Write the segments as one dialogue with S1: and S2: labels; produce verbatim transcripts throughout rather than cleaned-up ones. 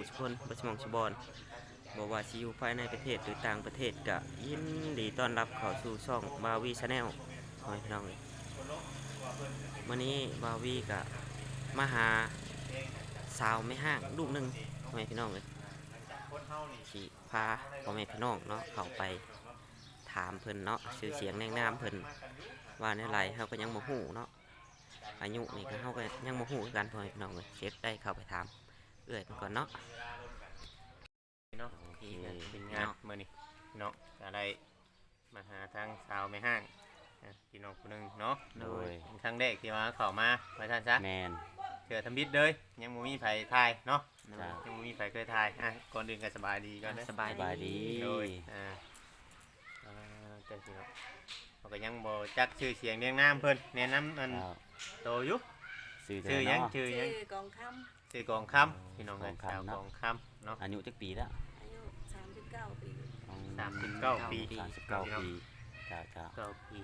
S1: สุคนบ่สมองสุบอนบ่ว่าสิอยู่ภายในประเทศหรือต่างประเทศก็ยินดีต้อนรับเข้าสู่ช่องบาวีชาแนลพ่อแม่พี่น้องเลยวันนี้บาวีก็มาหาสาวไม่ห้างลูกหนึงพ่อแม่พี่น้องเลยสิพาพ่อแม่พี่น้องเนาะเข้าไปถามเพิ่นเนาะชื่อเสียงแนงนามเพิ่นว่าในไรเฮาก็ยังบ่ฮู้เนาะอายุนี่ก็เฮาก็ยังบ่ฮู้คือกันพ่อแม่พี่น้องเลยเช็คได้เข้าไปถามเอื้อยเพิ่นก่อนเนาะ
S2: เนาะที่เป็นงานมื้อนี้เนาะก็ได้มาหาทางสาวแม่ห้างอ่ะพี่น้องคนหนึงเนาะ
S3: โดย
S2: เป็นครั้งแรกที่มาเข้ามาว่าซั่นซะ
S3: แมน
S2: เถื่อทำบิดเลยยังบ่มีไผถ่ายเนาะ
S3: จ้ะ
S2: ยังบ่มีไผเคยถ่ายอ่ะก่อนอื่นก็สบายดีก่อนเด้อ
S1: สบาย
S3: สบายดี
S2: โดยอ่าอ่าเจ้าสิเนาะเขาก็ยังบ่จักชื่อเสียงเรียงนามเพิ่นแนะนำอัน
S3: เจ้า
S2: โตอยู่
S3: ซื้อ
S2: ชื่อหยัง
S3: เนาะ
S2: ชื่อหยัง
S4: ชื่อกองค
S2: ชื่อกองคำพี่น้องเอ้ย
S3: กองคำ
S2: สาว
S3: เนาะ
S2: กองคำเนาะ
S3: อายุจักปีแล้ว
S4: ำอายุสามสิบเก้าปี
S2: สามสิบเก้าปี
S3: สามสิบเก้าปีจ้าจ้า
S2: เก้าปี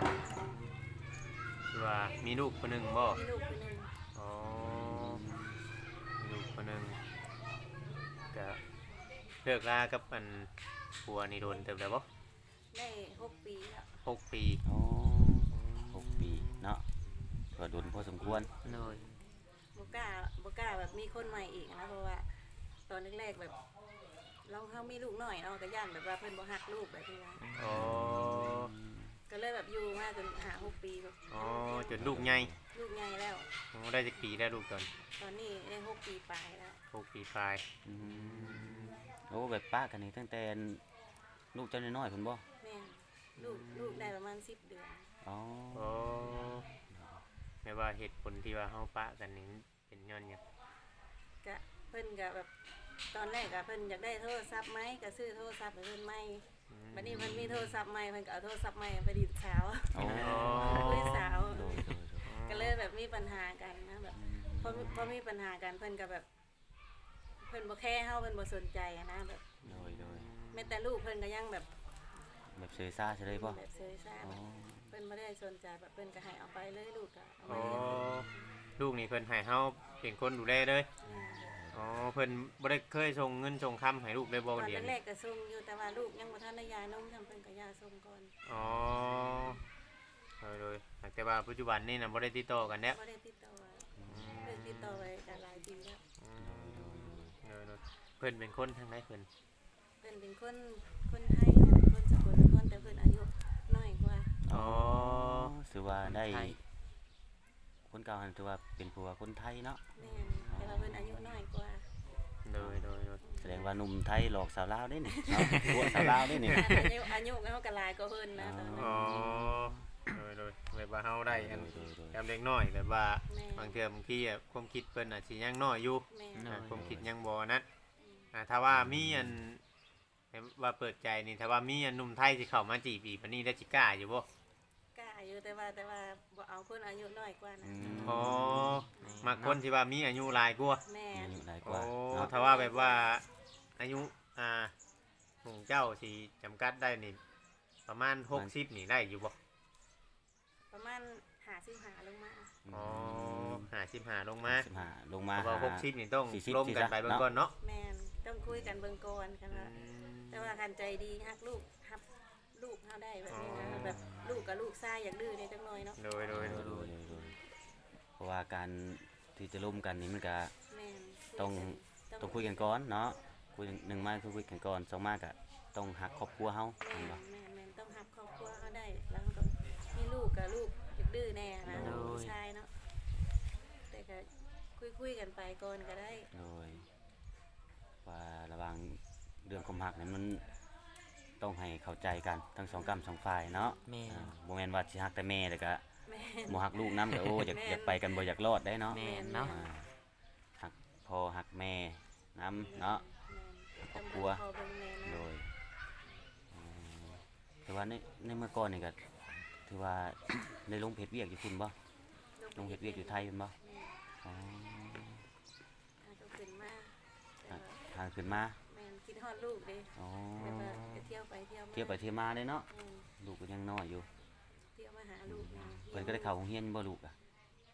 S2: คือว่ามีลูกคนหนึ่งบ่
S4: มีลูกคนหนึ่ง
S2: อ๋อมีลูกคนหนึ่งก็เลิกลากับอันผัวนี่โดนเติมแล้วบ่
S4: ได้หกปีแล้ว
S2: หกปี
S3: โอ้หกปีเนาะก็โดนพอสมควร
S1: เลย
S4: บกล้าบกล้าแบบมีคนใหม่อีกนะเพราะว่าตอนแรกๆแบบ เราเขามีลูกหน่อยเราะก็ย่านแบบว่าเพิ่นบ่ฮักลูกแบบนี้นะ
S2: อ๋อ
S4: ก็เลยแบบอยู่มาจนหาหกปีแบบ
S2: อ๋อจนลูกใหญ่
S4: ลูกใหญ่แล้ว
S2: อ๋อได้จักปีได้ลูกตอน
S4: ตอนนี้ได้หกปีปลายแล้ว
S2: หกปีปลาย
S3: อืมโอ้แบบป้ากันนี่ตั้งแต่ลูกเจ้าน้อยๆเพิ่นบ่
S4: แม่ลูกลูกได้ประมาณสิบเดือน
S3: อ๋อ
S2: อ๋อแม่ว่าเหตุผลที่ว่าเฮาปะกันนี่เป็นย้อนหยัง
S4: ก็เพิ่นก็แบบตอนแรกก็เพิ่นอยากได้โทรศัพท์ไหมก็ซื้อโทรศัพท์ให้เพิ่นไหม
S2: อืม
S4: บัดนี้เพิ่นมีโทรศัพท์ใหม่เพิ่นก็เอาโทรศัพท์ใหม่ไปดีดสาว
S3: โอ้
S4: คุยสาว
S3: โดยโดยโดย
S4: ก็เลยแบบมีปัญหากันนะแบบพอมีพอมีปัญหากันเพิ่นก็แบบ เพิ่นบ่แค่เฮาเพิ่นบ่สนใจอะนะแบบ
S3: โดยโดย
S4: แม้แต่ลูกเพิ่นก็ยังแบบ
S3: แบบเซยซ่าใช่เลยบ่
S4: แบบเซยซ่า
S3: อ๋อ
S4: เพิ่นบ่ได้สนใจแบบเพิ่นก็ให้เอาไปเลยลูกก็เอา
S2: อ๋
S4: มา
S2: อ
S4: เลี้ยง
S2: ลูกนี่เพิ่นให้เฮาเป็นคนดูแลเลย
S4: อืม
S2: อ๋อเพิ่นบ่ได้เคยส่งเงินส่งคำให้ลูกได้บ่
S4: ตอน
S2: เดียว
S4: แร
S2: นี่
S4: กๆก็ส่งอยู่แต่ว่าลูกยังบ่ทันได้ยานมทำเพิ่นก็ยาส่งก่อน
S2: อ๋อโดยโดยแต่ว่าปัจจุบันนี่น่ะบ่ได้ติดต่อกันแล้ว
S4: บ่ได้ติดต่อเพิ่นติดต่อไว้ก็หลายปีแล้ว
S2: อืมโดยโดยเพิ่นเป็นคนทางไหนเพิ่น
S4: เพิ่นเป็นคนคนไทยนะเป็นคนสกลนครแต่เพิ่นอายุน้อยกว่า
S2: อ๋อ
S3: ถือว่าได้คนเก่าหันถือว่าเป็นผัวคนไทยเนาะ
S4: แม่นแต่ว่าเพิ่นอายุน้อยกว่า
S2: โดยโดยโดย
S3: แสดงว่าหนุ่มไทยหลอกสาวลาวได้นี่เนาะผัวสาวลาวได้นี่
S4: อายุอายุเฮาก็หลายกว่าเพิ่นนะตอนนั้น
S2: อ๋อโดยโดยแบบว่าเฮาได้อัน
S3: โดยโดย
S2: จำเด็กน้อยแบบว่า
S4: แม่
S2: บางเทื่อบางทีอะความคิดเพิ่นอาจสิยังน้อยอยู่
S4: แม่
S2: อ่าความคิดยังบ่นั้นอ่าถ้าว่ามีอันว่าเปิดใจนี่ถ้าว่ามีอันหนุ่มไทยสิเข้ามาจีบอีกปานนี้ได้สิกล้าอยู่บ่
S4: กล้าอยู่แต่ว่าแต่ว่าบ่เอาคนอายุน้อยกว่านะ
S3: อืม
S2: อ๋อมักคนที่ว่ามีอายุหลายกว่า
S4: แม่
S3: อายุหลายก
S2: โอ้
S3: ว่าเนาะ
S2: ถ้าว่าแบบว่าอายุอ่าของเจ้าสิจำกัดได้นี่ประมาณหกสิบนี่ได้อยู่บ่
S4: ประมาณห้าสิบห้าลงมา
S2: อ๋อห้าสิบห้าลงมา
S3: สิบห้าลงมา
S2: เพราะว่าหกสิบนี่ต้อง
S3: สี่สิบ
S2: ร่วมกันไปเบิ่งก่อนเนาะ
S4: แม่นต้องคุยกันเบิ่งก่อนกันว่าแต่ว่าคันใจดีฮักลูกฮับลูกเฮาได้แบบนี้นะแบบลูกกับลูกชายอยากดื้อในจังหน่อยเนาะ
S2: โดยโดย
S3: โด
S2: โด
S3: ย
S2: ย
S3: โดยโดยเพราะว่าการที่จะร่วมกันนี่มันก็
S4: แม่น
S3: ต้อง ต้องคุยกันก่อนเนาะคุยหนึ่งมาคือคุยกันก่อนสองมาก็ต้องหักครอบครัวเฮา
S4: แม่
S3: เห็น
S4: น
S3: บ่
S4: แม่นแม่นต้องฮับครอบครัวเฮาได้แล้วก็มีลูกกับลูกอยากดื้อแน่นะลูกชายเนาะแต่ก็คุยๆกันไปก่อนก็ได้
S3: โดยว่าระหว่างเรื่องความหักนี่มันต้องให้เข้าใจกันทั้งสองกรรมสองฝ่ายเนาะ
S1: แม่
S3: อ่าบ่แม่นว่าสิหักแต่แม่แต่ก็
S4: แม่น
S3: บ่หักลูกนำก็โอ้อยาก
S4: แม่น
S3: อยากไปกันบ่อยากรอดได้เนาะ
S1: แม่นเนาะ
S3: อ่าหักพ่อหักแม่นำเนาะ ครอบครัว
S4: พอเบิ่งแม่
S3: โด
S4: นะ
S3: ยอืมแต่ว่าในในเมื่อก่อนนี่ก็ถือว่า ได้ลงเพจเวียกอยู่คุณบ่ลงเพจเวียกอยู่ไทยเป็นบ่อ๋อ
S4: อ่าก็ขึ้นมาแต่
S3: อ่ะ
S4: ว่า
S3: ทางขึ้นมา
S4: แม่นคิดฮอดลูกเด้
S3: อ๋อ
S4: แบบว่าจะเที่ยวไปเที่ยวมา
S3: เที่ยวไปเที่ยวมาเลยเนาะ
S4: อืม
S3: ลูกก็ยังน้อยอยู่
S4: เที่ยวมาหาลูกนะ
S3: เพิ่นก็ได้เข้าโรงเรียนบ่ลูกอ่ะ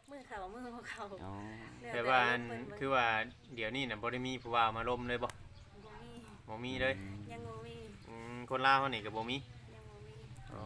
S4: มือเข่ามือบ่เข่า
S3: อ๋อ
S4: แล้ว
S2: แต่ว่าอัน
S4: เพิ่นบ่
S2: คือว่าเดี๋ยวนี้น่ะบ่ได้มีผู้ว่ามาล้มเลยบ่
S4: บ่มี
S2: บ่มีเลย
S4: ยังบ่มี
S2: อืมคนลาวเฮานี่ก็บ่มี
S4: ยังบ่มี
S2: อ๋อ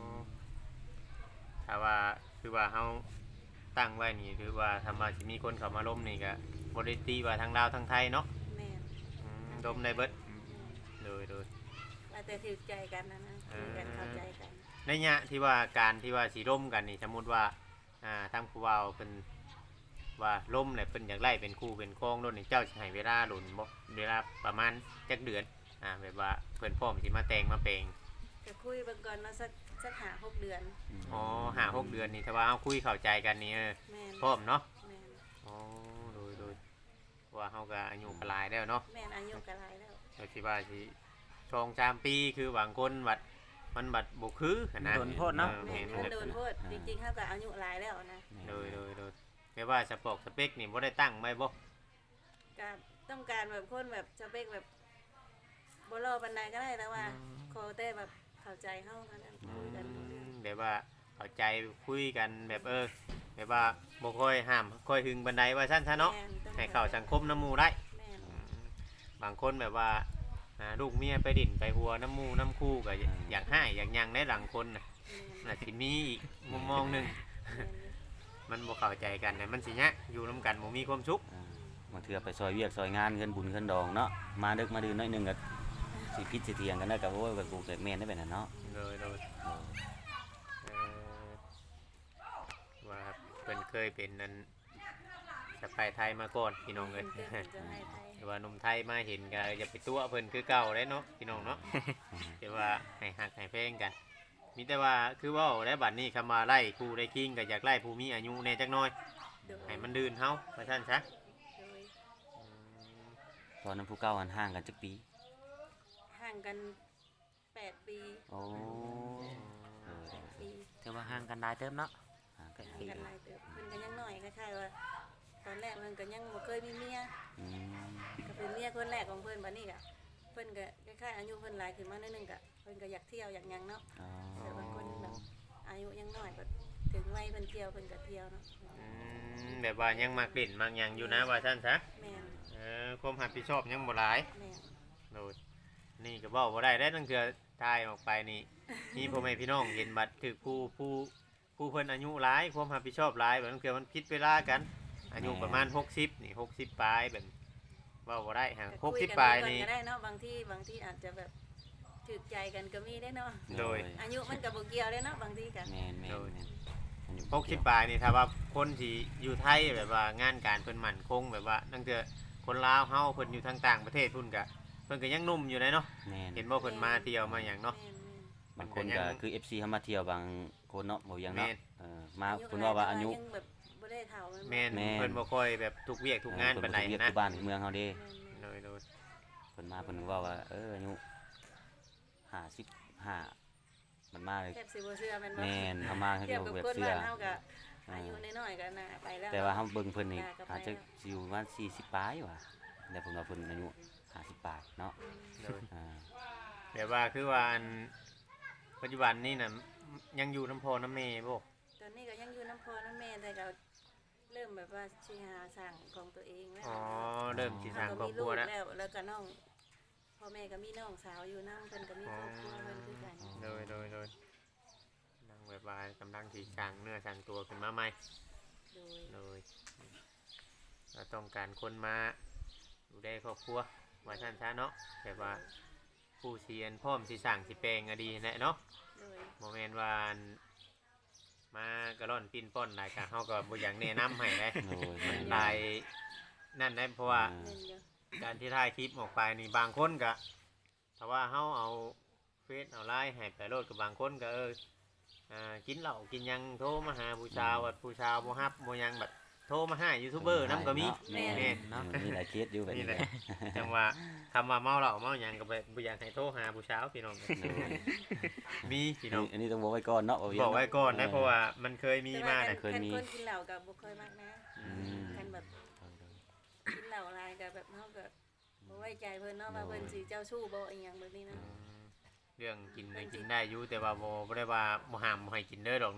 S2: ถ้าว่าคือว่าเฮาตั้งไว้นี่คือว่าทำมาสิมีคนเข้ามาล้มนี่ก็บ่ได้ตีว่าทางลาวทางไทยเนาะ
S4: แม่น
S2: อืมล้มได้เบิดโดยโดย
S4: ว่าแต่ถือใจกันนะนะคุยกันเข้าใจกัน
S2: ในยะที่ว่าการที่ว่าสิร่มกันนี่สมมุติว่าอ่าทางผู้เว้าเพิ่นว่าล่มเนี่ยเพิ่นอยากไล่เป็นคู่เป็นครองโดนนี่เจ้าสิให้เวลาหลุนบ่เวลาประมาณจักเดือนอ่าแบบว่าเพิ่นพร้อมสิมาแต่งมาแปลง
S4: ก็คุยเบิ่งก่อนเนาะสักสักหาหกเดือน
S2: อ๋อห้าหกเดือนนี่ถ้าว่าเฮาคุยเข้าใจกันนี่เออ
S4: แม่น
S2: พร้อมเนาะ
S4: แม่น
S2: อ๋อโดยโดยว่าเฮาก็อายุก็หลายแล้วเนาะ
S4: แม่นอายุก็หลายแล้ว
S2: ก็สิว่าสิสองสามปีคือบางคนบัดมันบัดบ่คือหั้นนะ
S1: โดนโทษเนาะ
S2: ออ
S4: แม่น
S2: แม่
S4: มัน
S2: น
S4: โดนโทษจริงๆเขาก็อายุหลายแล้วนะ
S2: โดยโดยโดยแม่ว่าสปอกสเปคนี่บ่ได้ตั้งไว้บ่
S4: ก็ต้องการแบบคนแบบสเปคแบบบ่รอปานใดก็ได้แล้วว่าขอแต่แบบเข้าใจเฮาเท่านั้นคุยกันรู้เรื่อง
S2: แบบว่าเข้าใจคุยกันแบบเออแบบว่าบ่ค่อยห้ามค่อยหึงบันไดว่าซั่นซะเนาะ
S4: แม่ต้อง
S2: ให้เข้าสังคมน้ำหมู่ได้
S4: แม่น
S2: อืมบางคนแบบว่าอ่าลูกเมียไปดิ่นไปหัวน้ำหมู่น้ำคู่ก็อยากให้อยากหยังได้หลังคนน่ะ
S4: แม่น
S2: น่ะสิมีอีกมุมมองหนึง
S4: แม่น
S2: มันบ่เข้าใจกันน่ะมันสิยะอยู่นํกันบ่มีความสุข
S3: อ่าบางเทื่อไปซอยเวียกซอยงานเงินบุญเงินดองเนาะมาดึกมาดื่นหน้อยหนึงก็สิพิษสิเถียงกันแล้วก็โอ้ยแบบกูเกิดแม่นได้แบบนั้นเนาะ
S2: เลยเลย
S3: เออ
S2: เอ่อว่าเพิ่นเคยเป็นนั้นสะไปไทยมาก่อนพี่น้องเอ้ย
S4: เพิ่นเป็นเจ้าให้ไทย
S2: แต่ว่าหนุ่มไทยมาเห็นก็อย่าไปตัวเพิ่นคือเก่าได้เนาะพี่น้องเนาะ แต่ว่าให้หักให้เพลงกัน มีแต่ว่าคือเว่าได้บัดนี้คำว่าไล่ครูได้คิงก็อยากไล่ผู้มีอายุแน่จักหน่อย
S4: โดย
S2: ให้มันดื่นเฮาว่าซั่นซะ
S4: โดย
S2: อืม
S3: ตอนนั้นผู้เก่าหันห่างกันจักปี
S4: ห่างกันแปดปี
S3: โอ้เออ
S4: ปี
S1: ถือว่าห่างกันหลายเติมเนาะ
S3: ห่างกัน
S4: ห่าง
S3: ปี
S4: กันหลายเติบเพิ่นก็ยังน้อยคล้ายๆว่าตอนแรกมันก็ยังบ่เคยมีเมีย
S3: อืม
S4: ก็เป็นเมียคนแรกของเพิ่นบัดนี้ก็เพิ่นก็คล้ายๆอายุเพิ่นหลายขึ้นมาหนิดนึงก็เพิ่นก็อยากเที่ยวอยากหยังเนาะ
S3: อ๋อ
S4: แต่บางคนแบบอายุยังน้อยก็ถึงวัยเพิ่นเที่ยวเพิ่นก็เที่ยวเนาะ
S2: อืมแบบว่ายังมักเล่นมักหยังอยู่นะว่าซั่นซะ
S4: แม่น
S2: เออความรับผิดชอบยังบ่หลาย
S4: แม่น
S2: โดยนี่ก็เว้าบ่ได้ได้ตั้งเทื่อทายออกไปนี่ มีพ่อแม่พี่น้องเห็นบัตรถึกผู้ผู้ผู้เพิ่นอายุหลายความรับผิดชอบหลายแบบนั้นคือมันผิดเวลากัน อายุประมาณหกสิบนี่หกสิบปลายแบบเว้าบ่ได้ฮะ
S4: ก็
S2: หก
S4: คุ
S2: สิ
S4: ย
S2: บ
S4: กัน
S2: ปลาย
S4: ก่อน
S2: นี่
S4: ก็ได้เนาะบางที่บางที่อาจจะแบบถูกใจกันก็มีได้เนาะ
S2: โดย
S4: อายุมันก็บ่เกี่ยวได้เนาะบางทีก็
S3: แม่นแม่น
S2: โดย
S3: แม่นมันอยู่
S2: หกสิบปลายนี่ถ้าว่าคนที่อยู่ไทยแบบว่างานการเพิ่นมั่นคงแบบว่านั่นคือคนลาวเฮาเพิ่นอยู่ทางต่างประเทศพุ่นก็เพิ่นก็ยังหนุ่มอยู่เลยเนาะ
S3: แม่น
S2: เห็นบ่เพิ่นมาเที่ยวมาหยังเนาะ
S4: แม่น
S3: บางคนก็คือ เอฟ ซี เฮามาเที่ยวบางคนเนาะบ่ยังเนาะ
S2: แม่น
S3: เออมา
S4: ๆ
S3: เพิ่นว่าว่าอายุ
S4: ยังแบบบ่ได้เฒ่า
S2: แม่น
S3: แม่น
S2: เพิ่นบ่ค่อยแบบทุกเวียกทุกงานปานใด
S3: เออเพิ่นบ่
S2: นะ
S3: คือบ้านคือเมืองเฮาเด้
S2: โดยโดย
S3: เพิ่นมาเพิ่นว่าว่าเอออายุห้าสิบห้ามันมาเลย
S4: แทบสิบ่เชื่อแม่นบ่
S3: แม่นเฮามาคือ
S4: เทียบ
S3: บ่
S4: กับ
S3: แบบ
S4: คน
S3: เชื่อ
S4: บ้านเฮาก็อายุน้อยๆก็น่าไปแล้ว
S3: แต่ว่าเฮาเบิ่งเพิ่นนี่
S4: น่ก็ไป
S3: อาจจะ
S4: แล้ว
S3: สิอยู่ประมาณสี่สิบปลายว่ะแต่เพิ่นว่าเพิ่นอายุห้าสิบปลายเนาะ
S2: โดย
S3: อ่า
S2: แบบว่าคือว่าอันปัจจุบันนี่น่ะยังอยู่น้ำพอน้ำเมบ่
S4: ตอนนี้ก็ยังอยู่น้ำพ่อน้ำแม่แต่ก็เริ่มแบบว่าสิหาสั่งของตัวเองแล้ว
S2: อ๋อเริ่มสิสร้างคร
S4: ก็
S2: อบ
S4: มี
S2: ครั
S4: ลู
S2: ว
S4: ก
S2: แล้ว
S4: แล้วแล้วก็น้องพ่อแม่ก็มีน้องสาวอยู่นำเพิ่นก็มีครอบครัวเพิ่นคือกัน
S2: โดยโดยโดยนั่งแบบว่ากำลังสิสร้างเนื้อสร้างตัวขึ้นมาใหม่
S4: โดย
S2: โดยเราต้องการคนมาดูแลครอบครัวว่าท่านซะเนาะแบบว่าผู้เสียนพร้อมสิสร้างสิแปลงก็ดีแหละเนาะ
S4: โดย
S2: โมเมนต์ว่าอันมากระร่อนปิ้นป้อนหลายกะเฮาก็บ่อยากแนะนำให้เลย
S3: โอ้ยแม่น
S2: หลายนั่นได้เพราะว่า
S4: เล่นอยู่
S2: การที่ถ่ายคลิปออกไปนี่บางคนก็ถ้าว่าเฮาเอาเฟซเอาไลน์ให้ไปโลดกับบางคนก็เอออ่ากินเหล้ากินหยังโทรมาหาผู้ชาวว่าผู้ชาวบ่ฮับบ่หยังแบบโทรมาหายูทูบเบอร์นํก็มี
S3: แม่น
S2: แม่น
S3: เนาะมีหลายเคสอยู่แบบ
S2: นี่
S3: นี้
S2: แห
S3: แห
S2: ละ
S3: ละ
S2: จังว่าคำว่าเมาเหล้าเมาหยังก็ไปบ่อยากให้โทรหาผู้ชาวพี่น้อง
S3: โอ้ย
S2: มีพี่น้อง
S3: อันนี้ต้องบอกไว้ก่อนเนาะบ่เวียง
S2: บอกไว้ก่อนนะ
S3: ออ
S2: เพราะว่ามันเคยมีมา
S4: แต่
S2: น่ะ
S3: เคยมี
S4: คันคนกินเหล้าก็บ่ค่อยมากนะ
S3: อืม
S4: คันแบบกินเหล้าหลายก็แบบเฮาก็บ่ไว้ใจเพิ่นเนาะว่าเพิ่นสิเจ้าชู้บ่อีหยังแบบนี้นะ
S2: เรื่องกินได้กินได้อยู่แต่ว่าบ่บ่ได้ว่าบ่ห้ามบ่ให้กินเด้อดอกเนาะ
S4: ก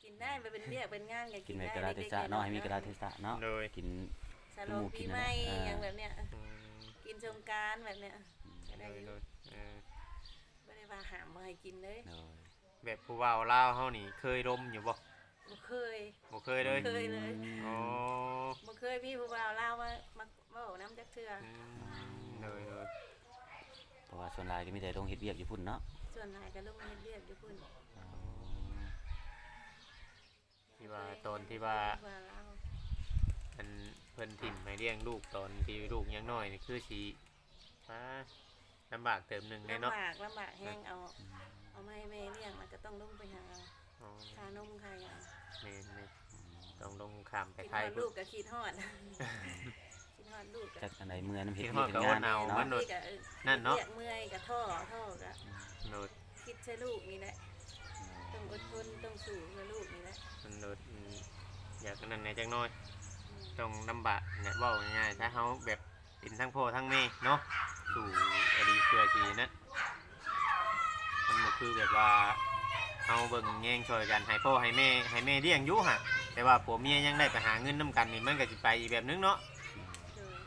S4: กินได้ไปเป็นเรียกเป็นงานก็
S3: กิ
S4: กิ
S3: น
S4: น
S3: ใน
S4: ได้
S3: กระดาษเทศะเนาะให้มีกระดาษเทศะเนาะ
S2: โดย
S3: กิน
S4: สโลปีใหม่
S3: เออ
S4: อย่างแบบเนี้ย
S2: อืม
S4: กินสงกรานต์แบบเนี้ยก็
S2: โด
S4: ได้
S2: ย
S4: อยู่
S2: โดยเออ
S4: บ่ได้ว่าห้ามบ่ให้กินเลย
S3: โดย
S2: แบบผู้ว่าวลาวเฮานี่เคยดมอยู่บ่
S4: บ่เคย
S2: บ่เคยเลย
S4: เคยเลย
S2: อ๋อ
S4: บ่เคยพี่ผู้บ่าวลาวมามาเว้าน้ำจักเทื่อ
S2: อืมโดยโดย
S3: เพราะว่าส่วนหลายก็มีแต่ลงเฮ็ดเวียกอยู่พุ่นเนาะ
S4: ส่วนหลายก็ลงมาเฮ็ดเวียกอยู่พุ่น
S3: อ๋อ
S2: ที่ว่าตอนที่ว่า
S4: ผู้บ่าวลาว
S2: อันเพิ่นถิ่มให้เลี้ยงลูกตอนที่ลูกยังน้อยนี่คือสิฟ้าลำบากเติมหนึงแน่
S4: ลำ
S2: เนาะ
S4: บากลำบากแห้งเอาเอามาให้แม่เลี้ยงมันก็ต้องลงไปหาเอา
S2: อ๋อ
S4: ค่านมค่าหยัง
S2: แม่นๆต้องลงข้ามไป
S4: คิด
S2: ไท
S4: ฮอย ด
S2: พุ่
S4: ลู
S2: น
S4: กก็คิดฮอด คิดฮอดลูกก็
S3: จักอันใดเมื่อน้ำเฮ็ด
S2: คิด
S3: เวี
S2: ฮอย ด
S3: ก
S2: ก็
S3: เฮ็ด
S2: อด
S3: งาน
S2: เอา
S3: เนาะ
S2: มันโดด
S4: ก็ออ
S2: นั่นเนาะ
S4: รียกเมื่อยก็ท่อท่อก็
S2: โดด
S4: คิดใช่ลูกนี่แหละต้องอดทนต้องสู้เพื่อลูกนี่แหละ
S2: มันโดดอืมอยากนั่นแหน่จักหน้อย
S4: อืม
S2: ต้องลำบากเนี่ยเว้าง่ายๆถ้าเฮาแบบเป็นทั้งพ่อทั้งแม่เนาะสู่อดีเพื่อสินะมันบ่คือแบบว่าเฮาเบิ่งแย่งช่วยกันให้พ่อให้แม่ให้แม่เลี้ยงอยู่หั่นแต่ว่าผัวเมียยังได้ไปหาเงินนํกันนี่มันก็สิไปอีกแบบนึงเนาะ
S4: โดย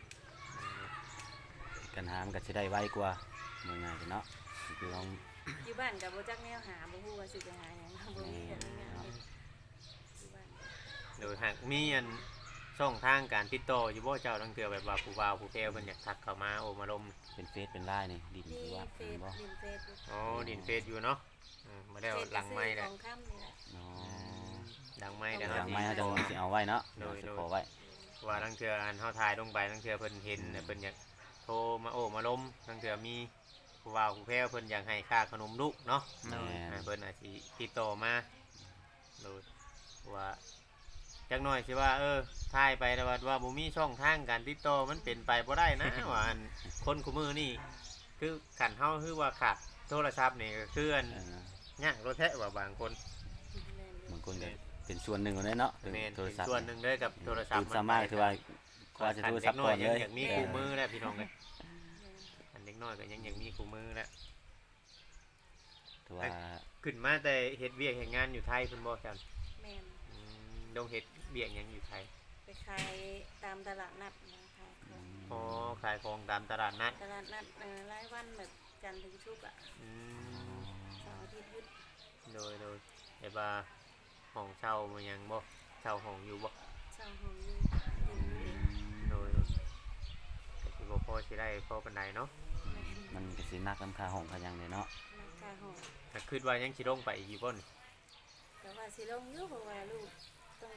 S3: กันหามันก็สิได้ไวกว่าเมื่อง่ายเนาะคือลอง
S4: อยู่บ้านกับบ่จักแนวหาบ่ฮู้ว่าสิไปหาหยังบ่มีแบบนี้งานเฮ็ดอยู่บ้าน
S2: โดยหากมีอันช่องทางการติดต่ออยู่บ่เจ้าตั้งเทื่อแบบว่าผู้บ่าวผู้แพ้เพิ่นอยากทักเข้ามาโอมาลม
S3: เป็นเฟซเป็นไลน์นี่ดิน
S4: มี
S3: คือว่า
S4: เฟ
S3: เป็น
S4: ซ
S3: บ่
S4: ดินเฟซอยู่
S2: อ๋อดินเฟซอยู่เนาะอืมมาแล้วหลังไม้
S4: เฟ
S2: แห
S4: ซ
S2: ละ
S4: ของค่ำนี่แหละ
S3: อ๋อ
S2: หลังไม้เดี๋ยว
S3: ห
S2: เฮา
S3: ลัง
S2: สิ
S3: ไม้เขาจะสิเอาไว้เนาะ
S2: โดย
S3: เดี๋ยว
S2: โดย
S3: จะขอไว้
S2: ว่าตั้งเทื่ออันเฮาถ่ายลงไปตั้งเทื่อเพิ่นเห็นน่ะเพิ่นอยากโทรมาโอ้มาลมตั้งเทื่อมีผู้บ่าวผู้แพ้เพิ่นอยากให้ค่าขนมลูกเนาะ
S3: แม่น
S2: อ่าเพิ่นอาจสิติดต่อมาโดยว่าจักหน่อยสิว่าเออถ่ายไปแต่ว่าว่าบ่มีช่องทางการติดต่อมันเป็นไปบ่ได้นะ ว่าอันคนคู่มือนี่คือขันเฮาคือว่าขาดโทรศัพท์นี่ก็คืออัน
S3: เออย
S2: ากรถแท้ว่าบางคน
S4: แม่นอยู่
S3: บางคนก็เป็นส่วนหนึ่งของนั้นเนาะ
S2: แม่น
S3: โทร
S2: เป็น
S3: ศัพท์
S2: ส่วนหนึ่งเลยกับโทรศัพ
S3: ตื่
S2: ท์
S3: นสามารถคือว่าก็จะโทรศัพท์ก่อนเลย
S2: อยากมีคู่มือแล้วพี่น้องเลย
S4: แม่น
S2: อันเด็กน้อยก็ยังอยากมีคู่มือแล้ว
S3: ถือว่า
S2: ขึ้นมาแต่เฮ็ดเวียกเฮ็ดงานอยู่ไทยเพิ่นบ่จัน
S4: แม่น
S2: อืมลงเฮ็ดเวียกหยังอยู่ไทย
S4: ไปขายตามตลาดนัดนะขายของ
S2: อ๋อขายของตามตลาดนัด
S4: ตลาดนัดเอ่อรายวันแบบจันทร์ถึงศุกร์อ่ะ
S2: อืม
S4: เสาร์อาทิตย์หยุด
S2: โดยโดยแต่ว่าห้องเช่ามันยังบ่เช่าห้องอยู่บ่
S4: เสาร์ของอยู่กินอยู่เอง
S2: โดยก็สิบ่พอสิได้พอปานใดเนาะ
S4: แม่น
S3: มันก็สินักน้ำคาห้องคาหยังเลยเนาะ
S4: ราคาห้อง
S2: ถ้าคิดว่ายังสิลงไปอีกอยู่บ่นี่
S4: แต่ว่าสิลงอยู่เพราะว่าลูกต้อง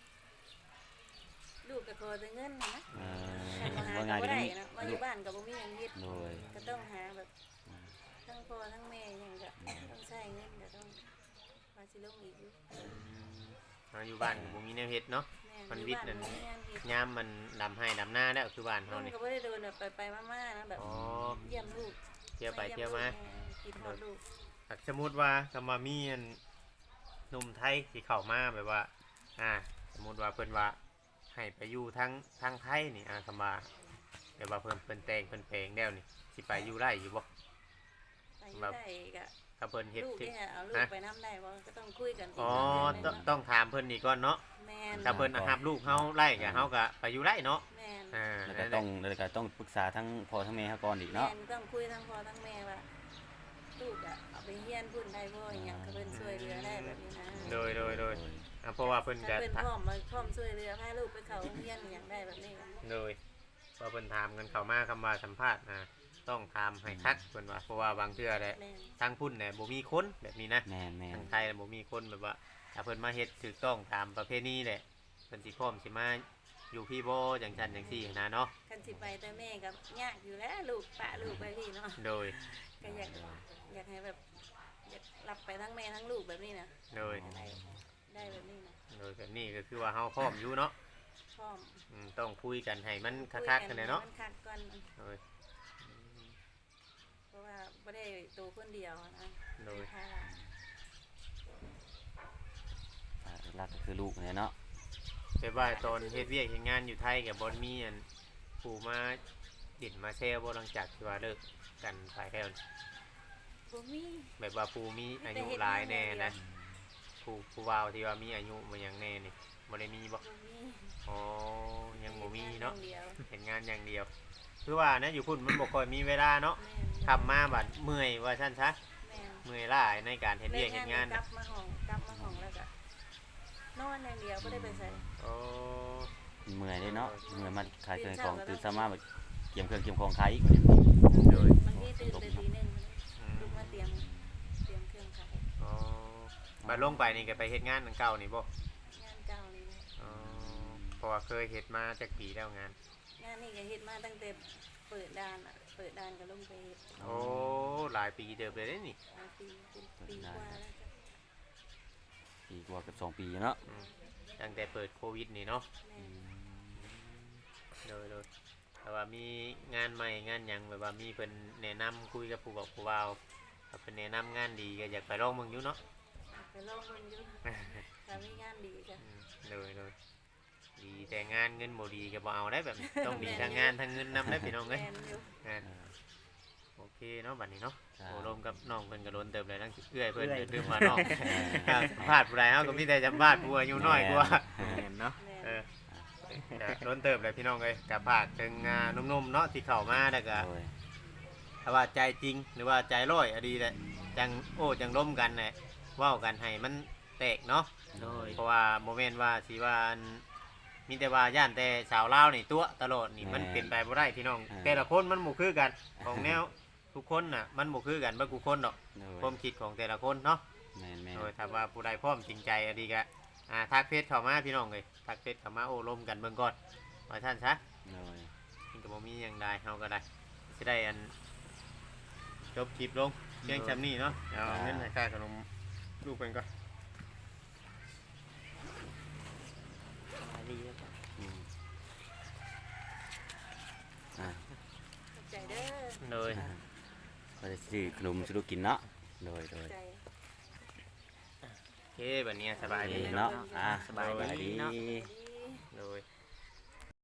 S4: ลูกก็ขอแต่เงินนะนะ
S3: เอ
S4: ถ้า
S3: อ
S4: บ่หา
S3: ว่า
S4: ก็
S3: ไง
S4: บ่
S3: ก็
S4: ได้
S3: มี
S4: นะมาอยู่บ้านก็บ่มีหยังเฮ็ด
S3: โดย
S4: ก็ต้องหาแบบทั้งพ่อทั้งแม่หยังก็ต้องใช้เงินก็ต้องว่าสิลงอีกอยู่
S2: อืมเราอยู่บ้านก็บ่มีแนวเฮ็ดเนาะ
S4: แม่
S2: มัน
S4: อยู่
S2: วิทย์
S4: บ้า
S2: นั่น
S4: บ่มีงานเฮ็ด
S2: ยามมันดำให้ดำหน้าแล้วคือบ้าน
S4: ลุ
S2: เฮาง นี่
S4: ก็บ่ได้โดนแบบไปไปๆมาๆนะแบบ
S2: อ๋อ
S4: เยี่ยมลูก
S2: เที่ยวไปเที่ยวมา
S4: กินฮอดลูก
S2: หากสมมุติว่าก็มามีอันหนุ่มไทยสิเข้ามาแบบว่า อ่า สมมุติว่าเพิ่นว่าให้ไปอยู่ทั้งทั้งไทยนี่อ่าคำว่าแบบว่าเพิ่นเพิ่นแต่งเพิ่นแปลงแล้วนี่สิไปอยู่ได้อยู่บ่
S4: ไปอยู่
S2: แบบ
S4: ได้ก็
S2: ถ้าเพิ่นเฮ็ด
S4: ลูก
S2: ที่
S4: เนี่ยเอาลูก
S2: ฮะ
S4: ไปน้ำได้บ่ก็ต้องคุยกันก
S2: อ๋อ
S4: เรื่
S2: ต้อง
S4: งหนึ่ง
S2: ต้องถามเพิ่นนี่ก่อนเนาะ
S4: แม่น
S2: ถ้าเพิ่นรับลูกเฮาไล่ก็เฮาก็ไปอยู่ได้เนาะ
S4: แม่น
S2: อ่า
S3: แล้วก็ต้องแล้วก็ต้องปรึกษาทั้งพ่อทั้งแม่เขาก่อนอีก
S4: แม่
S3: เนาะ
S4: นต้องคุยทั้งพ่อทั้งแม่ว่าลูกอะเอาไปเฮียนพุ่นได้บ่อหย่างก็เพิ่นช่วยเหลือได้แบบนี้นะ
S2: โดยโดยโดยอ่าเพราะว่าเพิ่น
S4: ถ้า
S2: จะ
S4: เพิ่นพร้อมมาพร้อมช่วยเหลือพาลูกไปเข้าโรงเรียนอหย่างได้แบบนี้ก็
S2: โดยพอเพิ่นถามกันเข้ามาคำว่าสัมภาษณ์นะต้องถามให้คัดเพิ่นว่าเพราะว่าบางเทื่อแหละ
S4: แม่น
S2: ทางพุ่นเนี่ยบ่มีคนแบบนี้นะ
S3: แม่นแม่น
S2: ทางไทยน่ะบ่มีคนแบบว่าถ้าเพิ่นมาเฮ็ดถูกต้องตามประเพณีแหละเพิ่นสิพร้อมสิมาอยู่พี่บ่จังซั่นจังซี่นะเนาะ
S4: คันสิไปแต่แม่ก็ยากอยู่แล้วลูกปะลูกไปพี่เนาะ
S2: โดย
S4: ก็อยากอยากให้แบบอยากรับไปทั้งแม่ทั้งลูกแบบนี้นะ
S2: โดย
S4: ได้ได้แบบนี้นะ
S2: โดยแบบนี้ก็คือว่าเฮาพร้อมอยู่เนาะ
S4: พร้อม
S2: อืมต้องคุยกันให้มัน
S4: คุย
S2: คักๆกันเลยเนาะ
S4: มันคักก่อน
S2: โดย
S4: เพราะว่าไม่ได้ตัวคนเดียวนะ
S2: โดย
S4: ค่ะ
S3: อ่าหลักก็คือลูกเนี่ยเนาะ
S2: แต่ว่าตอนเฮ็ดเวียกเฮ็ดงานอยู่ไทยก็บ่มีอันผู้มาดินมาแซวบ่หลังจากที่ว่าเลิกกันไปแล้ว
S4: บ่มี
S2: แบบว่าผู้มีอายุหลายแน่นะ ผู้ผู้ผู้บ่าวที่ว่ามีอายุมาอย่างแน่นี่บ่ได้มีบ่
S4: บ่มี
S2: อ๋อยังบ่มีเนาะ
S4: เดียว
S2: เห็นงานอย่างเดียวคือว่านะอยู่พุ่นมันบ่ค่อยมีเวลาเนาะ
S4: แม่น
S2: ทำมาบัดเมื่อยว่าซั่นซะ
S4: แม่น
S2: เมื่อยล้าในการเฮ็ดเวียกเฮ็ดงาน
S4: กลับมาห้องกลับมาห้องแล้วก็นอนอย่างเดียวบ่ได้ไปใส่
S2: โอ้
S3: เมื่อยเลยเนาะเมื่อยมาขายเครื่องของตื่นเช้ามาแบบเกี่ยมเครื่องเกี่ยมของขายอีก
S2: โดย
S4: บางทีตื่นแต่ตีหนึ่ง
S2: อืม
S4: ลุกมาเตรียมเตรียมเครื่องขาย
S2: อ๋อบัดลงไปนี่ก็ไปเฮ็ดงานอันเก่านี่บ่
S4: งานเก่านี่นะ
S2: อ๋อเพราะว่าเคยเฮ็ดมาจักปีแล้วงาน
S4: งานนี่ก็เฮ็ดมาตั้งแต่เปิดด่านอ่ะเปิดด่านก็ลงไปเฮ็ด
S2: โอ้หลายปีเติบเลยเด้นี่
S4: มาปีเป็นปีกว่าแล้วจ้ะ
S3: ปีกว่าเกับสองปีเนาะ
S2: อืมตั้งแต่เปิดโควิดนี่เนาะ
S4: แม่น
S2: โดยโดยแต่ว่ามีงานใหม่งานหยังแบบว่ามีเพิ่นแนะนำคุยกับผู้บอกผู้บ่าวถ้าเพิ่นแนะนำงานดีก็อยากไปลองเบิ่งอยู่เนาะ
S4: ไปลองเบิ่งอยู่ถ้ามีงานดีจ้ะ
S2: อืมโดยโดยดีแต่งานเงินบ่ดีก็บ่เอาได้แบบนี้ต้องดีทั้งงานทั้งเงินนำได้พี่น้องเอ้ย
S4: แม่นอยู่
S2: งาน
S3: เออ
S2: โอเคเนาะบัดนี้เนาะ
S3: ใช่
S2: โอ้รวมกับน้องเพิ่นก็โดนเติบเลยทั้งเอื้อยเพิ่นเดี๋ยวลืมมาน้องครับสัมภาษณ์ผู้ใดเฮาก็มีแต่สัมภาษณ์ผู้อายุน้อยกว่า
S1: เห็นเนาะ
S4: แม่น
S2: เออโดนเติบเลยพี่น้องเอ้ยกับภาคถึงอ่าหนุ่มๆเนาะที่เข้ามาแล้วก็
S3: โดย
S2: ถ้าว่าใจจริงหรือว่าใจร้อยอะดีแหละจังโอ้จังร่มกันแหละเว้ากันให้มันแตกเนาะ
S1: โดย
S2: เพราะว่าโมเมนต์ว่าสิว่าอันมีแต่ว่าย่านแต่สาวลาวนี่ตัวตลอดนี่มันเป็นไปบ่ได้พี่น้อง แต่ละคนมันบ่คือกันของแนวทุกคนน่ะมันบ่คือกันบ่กูคนดอก
S3: โดย
S2: ความคิดของแต่ละคนเนาะ
S3: แม่นแม่น
S2: โดยถ้าว่าผู้ใดพร้อมจริงใจอะดีก็อ่าทักเฟซเข้ามาพี่น้องเอ้ยทักเฟซเข้ามาโอ้ร่มกันเบิ่งก่อนว่าท่านซะ
S3: โดย
S2: มันก็บ่มีหยังได้เฮาก็ได้สิได้อันจบคลิปลงเพียงจำนี้เนาะเอาเงินให้ค่าขนมลูกเพิ่นก่อน
S1: ดีแล้วจ้ะ
S3: อืมอ่า
S4: ขอบใจเด้อ
S2: โดย
S3: ก็จะซื้อขนมซื้อลูกกินเนาะโดยโด
S4: ขอบ
S3: ย
S4: ใจ
S2: โอเคบัดนี้สบายดี
S3: เนาะ
S2: เนาะ
S3: อ่า
S1: สบายดีเนาะ
S3: ดี
S2: โดย
S4: โ